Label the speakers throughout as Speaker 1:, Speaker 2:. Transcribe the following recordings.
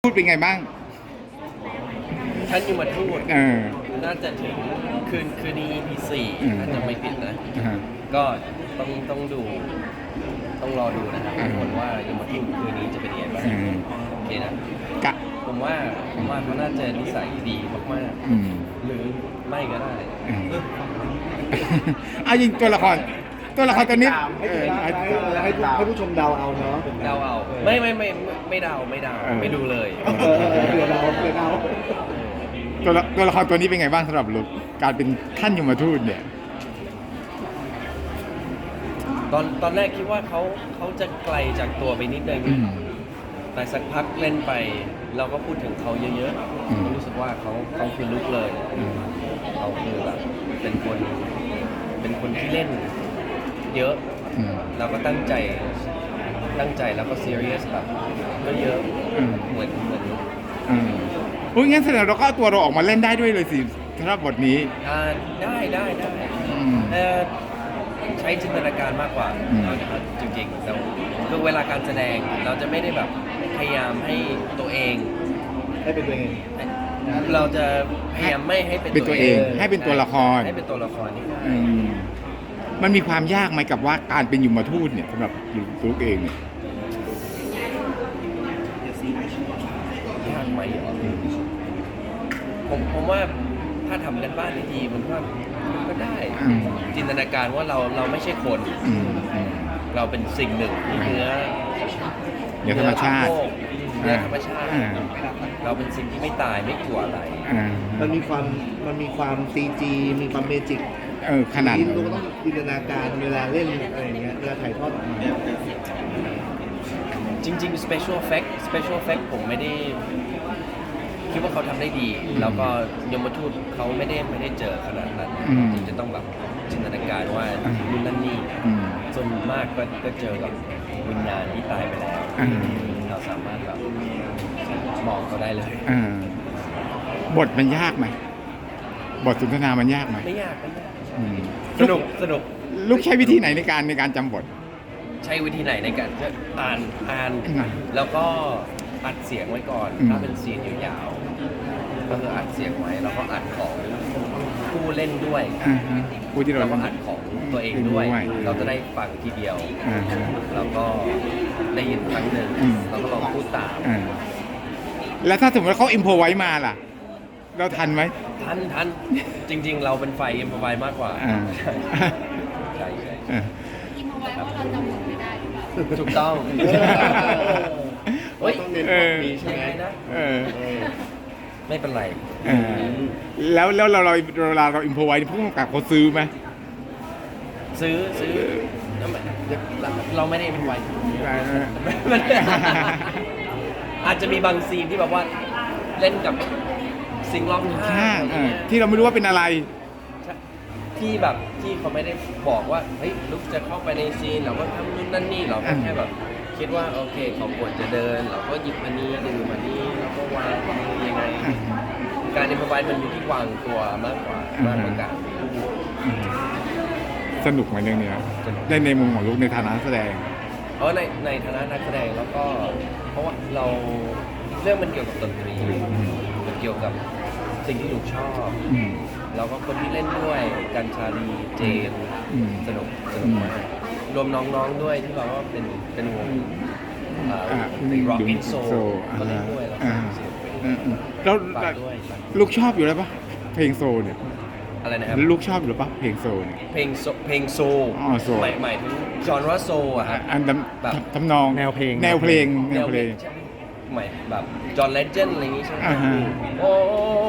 Speaker 1: พูดเป็นไงบ้าง
Speaker 2: ท่านยมทูต
Speaker 1: เออ
Speaker 2: น่าจะถึงคืนนี้ EP 4น่าจะไม่ผิดนะ
Speaker 1: อ่า
Speaker 2: ก็ต้องดูต้องรอดูนะครับทุกคนว่ายมทูตคืนนี้จะเป็นยังไงบ้างโอเคนะ
Speaker 1: กะ
Speaker 2: ผมว่าเขาน่าจะนิสัยดีมากๆหรือไม่ก็ได้
Speaker 1: เอาจริงตัวละครตัวนี้
Speaker 3: ให้ผู้ชมเดาเอาเนาะ
Speaker 2: เดาเอาไม่เดาไม่ดูเลย
Speaker 3: เดี๋ยวเดา
Speaker 1: ตัวละครตัวนี้เป็นไงบ้างสำหรับลุกการเป็นท่านยมทูตเนี่ย
Speaker 2: ตอนแรกคิดว่าเขาจะไกลจากตัวไปนิดนึงแต่สักพักเล่นไปเราก็พูดถึงเขาเยอะๆรู้สึกว่าเขาคือลุกเลยเขาคือแบบเป็นคนที่เล่นเยอะเราก็ตั้งใจแล้วก็ซีเรียสแบบก็เยอะเหมือน
Speaker 1: อุ้ยงั้นแสดงเราก็เอาตัวเราออกมาเล่นได้ด้วยเลยสิสำหรับบทนี้
Speaker 2: ได้ใช้จินตนาการมากกว่าจริงๆแต่คือเวลาการแสดงเราจะไม่ได้แบบพยายามให้ตัวเอง
Speaker 3: ให้เป็นตัวเอง
Speaker 2: เราจะพยายามไม่ให้เป็น
Speaker 1: ตัวเองให้เป็นตัวละคร
Speaker 2: นี่
Speaker 1: มันมีความยากไหมกับว่าการเป็นยมทูตเนี่ยสำหรับลุกเองเนี่ย
Speaker 2: ยากไหมผมว่าถ้าทำกันบ้านดีๆมันก็ได้จินตนาการว่าเราไม่ใช่คนเราเป็นสิ่งหนึ่งที่เนื้อ
Speaker 1: ธรรมชาติ
Speaker 2: เราเป็นสิ่งที่ไม่ตายไม่กลัวอะไร
Speaker 3: มันมีความCGมีความเมจิก
Speaker 1: ขนาด
Speaker 3: นี้เราก็ต้องจินตนาการเวลาเล่นอะไรอย่างเงี้ยเวลาถ่ายทอดออกมา
Speaker 2: จริงๆ special effect ผมไม่ได้คิดว่าเขาทำได้ดีแล้วก็ยมทูตเขาไม่ได้เจอขนาดนั้นจริงจะต้องแบบจินตนาการว่านู่นนั่นนี่ส่วนมากก็เจอกับวิญญาณที่ตายไปแล้วเราสามารถแบบมองเขาได้เลย
Speaker 1: บทมันยากไหมบทสนทนามันยากไหม
Speaker 2: ไม่ยากสนุก
Speaker 1: ลูกใช้วิธีไหนในการจำบท
Speaker 2: ใช้วิธีไหนในการอ่านแล้วก็อัดเสียงไว้ก่อนถ้าเป็นซีนยาวๆก็คืออัดเสียงไว้แล้วก็อัดของผู้เล่นด้วย
Speaker 1: ผู้ที่เรา
Speaker 2: ก็อัดของตัวเองด้วยเราจะได้ฟังทีเดียวแล้วก็ได้ยินครั้งหนึ่งแล้วก็ลองพูดตาม
Speaker 1: แล้วถ้าสมมติเขาอิมโพไว้มาล่ะเราทันไหม
Speaker 2: ทันจริงๆเราเป็นไฟอิมโพไว้มากกว่าใช่
Speaker 4: อิมโพไว้เพราะเราจำบทไม่ได้
Speaker 2: ถูกต้อง
Speaker 3: ต้องเน้นความดีใช่ไหมนะ
Speaker 2: ไม่เป็นไร
Speaker 1: แล้วเราเวลาเราอิมโพไว้ผู้กำกับเขาซื้อไหม
Speaker 2: ซื้อเราไม่ได้อิมโพไว้อาจจะมีบางซีนที่แบบว่าเล่นกับสิ่งรอบข้าง
Speaker 1: ที่เราไม่รู้ว่าเป็นอะไร
Speaker 2: ที่แบบที่เขาไม่ได้บอกว่าเฮ้ยลุกจะเข้าไปในซีนเราก็ทำนู่นนั่นนี่เราก็แค่แบบคิดว่าโอเคเขาควรจะเดินเราก็หยิบอันนี้ดื่มอันนี้แล้วก็วางยังไงการอิมพอไวส์มันอยู่ที่วางตัวมากกว่าการ
Speaker 1: สนุกไหมเรื่องนี้ได้ในมุมของลุกในฐานะนักแสดง
Speaker 2: ในฐานะนักแสดงแล้วก็เพราะว่าเราเรื่องมันเกี่ยวกับดนตรีมันเกี่ยวกับสิ่งที่ลุกชอบแล้วก็คนที่เล่นด้วยกันชาลีเจนสนุกมากรวมน้องๆด้วยที่แบบว่าเป็นวงร็อกอินโซมาเล่นด้วย
Speaker 1: แล้วลูกชอบอยู่แล้วปะเพลงโซเนี่ย
Speaker 2: อะไรนะครับ
Speaker 1: ลูกชอบอยู่แล้วปะเพลงโซเนี่ย
Speaker 2: เพลงโซหมายถึงจอนว่าโซอะฮะ
Speaker 1: แบบทำนองแนวเพลง
Speaker 2: หมายแบบจอห์นเลเจนด์อะไรอย่างงี้ใช่ไหมโอ้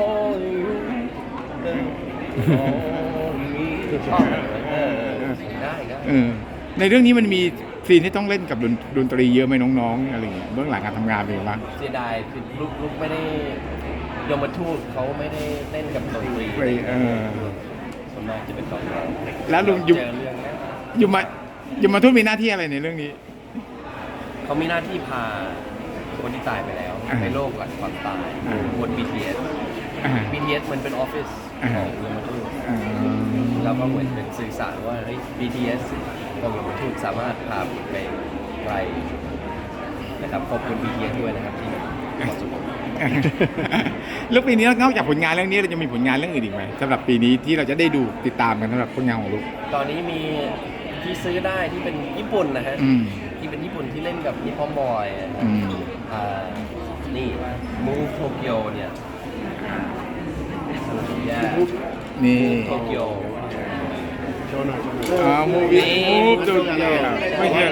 Speaker 2: ชอบได้
Speaker 1: ในเรื่องนี้มันมีซีนที่ต้องเล่นกับดนตรีเยอะไหมน้องๆอะไรอย่างเงี้ยเบื้องหลังการทำงานเป็นยังไงบ้าง
Speaker 2: เสียดายคือลูกไม่ได้ยมทูตเขาไม่ได้เล่นกับดนตรีส่วนมากจะเป็นกองร้อง
Speaker 1: แล้วลุงยมทูตมีหน้าที่อะไรในเรื่องนี้
Speaker 2: เขามีหน้าที่พาคนที่ตายไปแล้วในโลกหลังความตายบน BTS มันเป็นออฟฟิศของยมทูตแล้วก็เหมือนเป็นสื่อสารว่าBTS ของยมทูตสามารถพาไปไกลนะครับขอบคุณ BTS ด้วยนะครับที่เหมาะสม
Speaker 1: แล้วปีนี้นอกจากผลงานเรื่องนี้เราจะมีผลงานเรื่องอื่นอีกไหมสำหรับปีนี้ที่เราจะได้ดูติดตามกันสำหรับผลงานของลูก
Speaker 2: ตอนนี้มีที่ซื้อได้ที่เป็นญี่ปุ่นนะฮะ
Speaker 1: อืม
Speaker 2: ที่เป็นญี่ปุ่นที่เล่นกับนิปปอนบอยอะครับ
Speaker 1: อืม
Speaker 2: นี่มูโตเกียวเนี่ยแย่
Speaker 1: นี่
Speaker 2: โตเกียว
Speaker 1: มูวี่มูฟดูเย่ไม่ใช่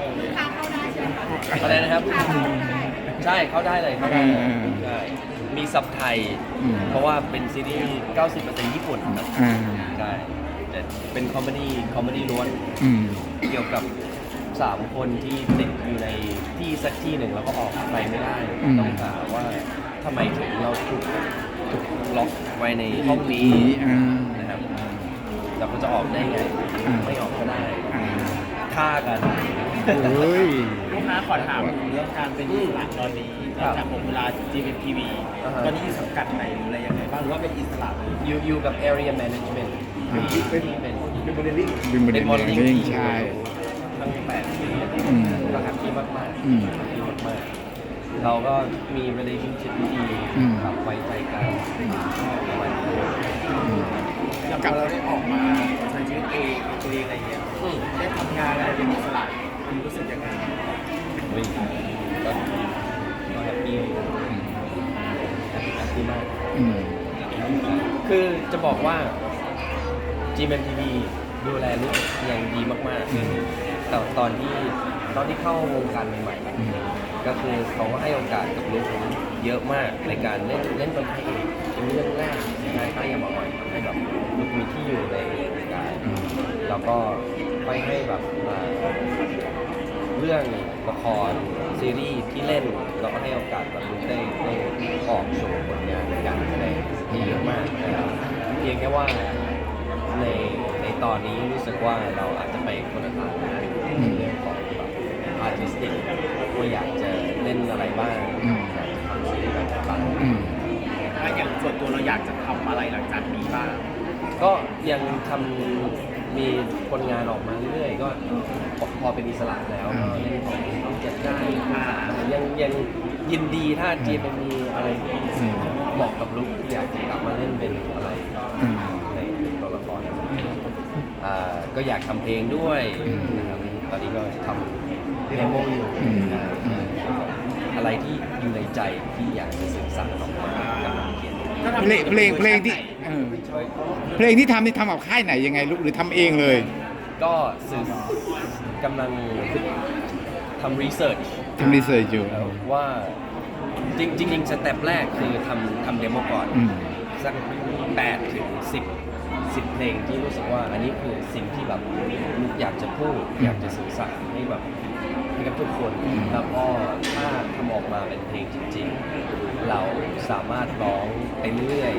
Speaker 2: อะไรนะครับ ใช่เข้าได้เลยเข้าได้เลย ใช่มีซับไทย
Speaker 1: อืม
Speaker 2: เพราะว่าเป็นซีรีส์ 90% ญี่ปุ่นครับ
Speaker 1: อ่า
Speaker 2: ใช่แต่เป็นคอมเมดี้ล้วน
Speaker 1: อืม
Speaker 2: เกี่ยวกับ 3 คนที่ติดอยู่ในที่สักที่หนึ่งแล้วก็ออกไปไม่ได้ ต้องหาว่าทำไมถึงเราถูกล็อกไว้ในห้องนี้
Speaker 1: อ่า
Speaker 2: นะครับ เราก็จะออกได้ไง ไม่ออกก็ได้
Speaker 1: อ่า
Speaker 2: ฆ่ากัน
Speaker 1: เฮ้ย
Speaker 5: ลูกค้าขอถามเรื่องการเป็นอิสระตอนนี้
Speaker 2: ครับ
Speaker 5: จากผมเวลา GMTV
Speaker 2: อ่าฮะ
Speaker 5: ตอนนี้อยู่สังกัดไหนหรืออะไรยังไงบ้างหรือว่าเป็นอิสระเลย
Speaker 2: อยู่กับ area management
Speaker 1: อ่า
Speaker 2: เป็น
Speaker 3: เป็นโมเดลลิ่ง
Speaker 1: เป็นประเด็น
Speaker 2: มอ
Speaker 1: อ
Speaker 2: ด
Speaker 1: ย่าง
Speaker 2: ลิ่ง
Speaker 1: นี้
Speaker 2: ที่
Speaker 1: ใช่
Speaker 2: ทั้ง8 ปี
Speaker 1: อืม
Speaker 2: ก็แฮปปี้มากๆ
Speaker 1: อืม
Speaker 2: แฮปปี้มากๆ เราก็มี relationship ที่ดี
Speaker 1: อืม
Speaker 2: ครับไว้ใจกันประมาณนี้
Speaker 5: อย่างพอเราได้ออกมาใช้ชีวิตเองเป็นตัวเองอะไรเงี้ยได้ทำงานอะไรเป็นอิสระคุณรู้สึกยังไง
Speaker 2: เฮ้ยก็แฮปปี้แฮปปี้มาก
Speaker 1: อืม
Speaker 2: คือจะบอกว่า GMMTV ดูแลลูกอย่างดีมากๆแต่ตอนที่เข้าวงการใหม่
Speaker 1: อืม
Speaker 2: ๆ ก็คือเขาก็ให้โอกาสกับลูกเยอะมากในการเล่นเป็นพระเอกเป็นเรื่องแรกในการค่ายยามาอ่อยให้แบบลูกมีที่อยู่ในวงการ
Speaker 1: อืม
Speaker 2: แล้วก็ไปให้แบบเรื่องละครซีรีส์ที่เล่นเราก็ให้โอกาสแบบลูกได้ออกโชว์ผลงานในการแสดงที่เยอะมากนะครับเพียงแค่ว่าในตอนนี้รู้สึกว่าเราอาจจะไปคนละทางนะในเรื่องของแบบอาร์ติสติกว่าอยากจะเล่นอะไรบ้าง
Speaker 1: อืม
Speaker 2: อยากจะทำซีรีส์แบบไหนบ้าง
Speaker 1: อืม
Speaker 5: ถ้าอย่างส่วนตัวเราอยากจะทำอะไรหลังจากนี้บ้าง
Speaker 2: ก็ยังทำมีผลงานออกมาเรื่อยๆก็พอเป็นอิสระแล้วก็เล่นของต้องจัดได้ยังยินดีถ้าจีนมีอะไรที่บอกกับลูกที่อยากจะกลับมาเล่นเป็นอะไร
Speaker 1: อืม
Speaker 2: ในตัวละครก็อยากทำเพลงด้วยนะครับตอนนี้ก็ทำเดโมอยู่
Speaker 1: อืม
Speaker 2: อะไรที่อยู่ในใจที่อยากจะสื่อสารออกมากำลังเขียน
Speaker 1: เพลงที่เพลงที่ทำนี่ทำกับค่ายไหนยังไงลูกหรือทำเองเลย
Speaker 2: ก็สื่อกำลังทำรีเสิร์ช
Speaker 1: ทำรีเสิร์ชอยู่
Speaker 2: ว่าจริงๆสเต็ปแรกคือทำเดโมก่อน
Speaker 1: อืม
Speaker 2: สัก8 ถึง 10 เพลงที่รู้สึกว่าอันนี้คือสิ่งที่แบบลูกอยากจะพูด อยากจะสื่อสารให้แบบให้กับทุกคน แล้วก็ถ้าทำออกมาเป็นเพลงจริงๆ เราสามารถร้องไปเรื่อย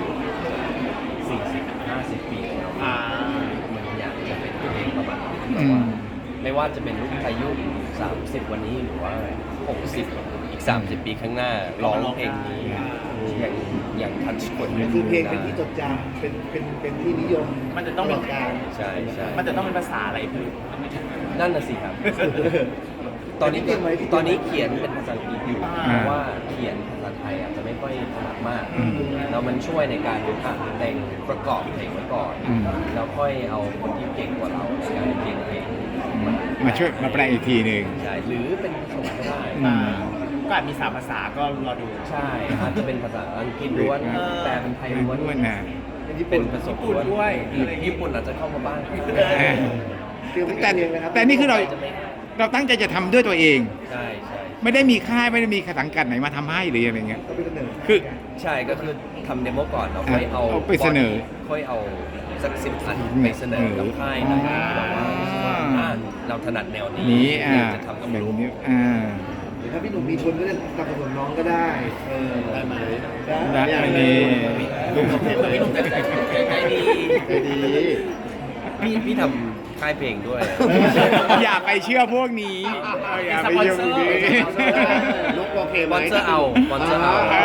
Speaker 2: 40-50 ปีของเรา มันอยากจะเป็นเพลงประมาณนี้แต่ว่าไม่ว่าจะเป็นลูกอายุ 30 วันนี้หรือว่า 60 อีก 30 ปีข้างหน้าร้องเพลงนี้อย่างทัชคน
Speaker 3: คือเพลงเป็นที่จดจำเป็นที่นิยม
Speaker 5: มันจะต้องเป็น
Speaker 3: ตลดการ
Speaker 2: ใช่ใช่
Speaker 5: มันจะต้องเป็นภาษาอะไรพี่
Speaker 2: นั่นน่ะสิครับ ตอนนี้เขียนเป็นภาษาอังกฤษอยู่เพราะว่าเขียนภาษาไทยอาจจะไม่ค่อยถนัดมาก
Speaker 1: อืม
Speaker 2: แล้วมันช่วยในการแต่งประกอบเพลงไว้ก่อน
Speaker 1: อืม
Speaker 2: แล้วค่อยเอาคนที่เก่งกว่าเราในการเขียนเพลง
Speaker 1: มาช่วยมาแปลอีกทีหนึ่ง
Speaker 2: ใช่หรือเป็นผสมก็ได้
Speaker 1: อืม
Speaker 5: ก็อาจมี3ภาษาก็รอดู
Speaker 2: ใช่อาจจะเป็นภาษาอังกฤษล้วน
Speaker 5: เออ
Speaker 2: แต่เป็นไทยล้วน
Speaker 1: ด้วยนะ
Speaker 2: เป็นผสมล้วน
Speaker 5: ด้วย
Speaker 2: ญี่ปุ่นอาจจะเข้ามาบ้าง
Speaker 3: เตรียมไว้
Speaker 1: แต่
Speaker 3: เองนะครับ
Speaker 1: แต่นี่คือเรา
Speaker 2: จะไม่
Speaker 1: เราตั้งใจจะทำด้วยตัวเอง
Speaker 2: ใช่ใช่
Speaker 1: ไม่ได้มีค่ายไม่ได้มีสังกัดไหนมาทำให้หรืออะไรเงี้ย
Speaker 3: ก็เป็นเสนอ
Speaker 1: คือ
Speaker 2: ใช่ก็คือทำเดโมก่อนเราค่อยเอา
Speaker 1: เอาไปเสนอ
Speaker 2: ค่อยเอาสัก10 อันไปเสนอกับค่ายหน่อยแบบว่ารู้สึกว่าเราถนัดแนวนี้
Speaker 1: นี้
Speaker 2: อยากจะทำกับ
Speaker 1: แบบ
Speaker 2: ลูก
Speaker 1: นี้
Speaker 3: หรือถ้าพี่หนุ่มมีชวนก็จะสนับสนุนน้องก็ได้ได้ไหม
Speaker 1: ได้อันนี้
Speaker 3: ลูกโอเคไหม
Speaker 2: พี่หนุ่มใจดี
Speaker 3: ใจดี
Speaker 2: พี่ทำค่ายเพลงด้วย
Speaker 1: อย่าไปเชื่อพวกนี้อย่าไปเชื่อพวกนี้
Speaker 3: ลูกโอเคไหม
Speaker 2: มอนเตอร์เอามอนเตอร์เอา
Speaker 1: อ่า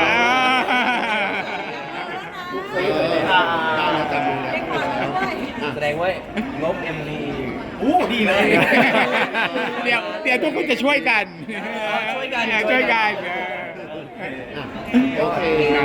Speaker 3: ลูกเคยอยู่ในเราจำอยู่แล้ว
Speaker 2: แสดงว่างบ MV
Speaker 5: อู้ดีเลย
Speaker 1: เดี๋ยวทุกคนจะช่วยกัน
Speaker 2: ช่วยกัน
Speaker 1: ช่วยกัน
Speaker 3: โอเค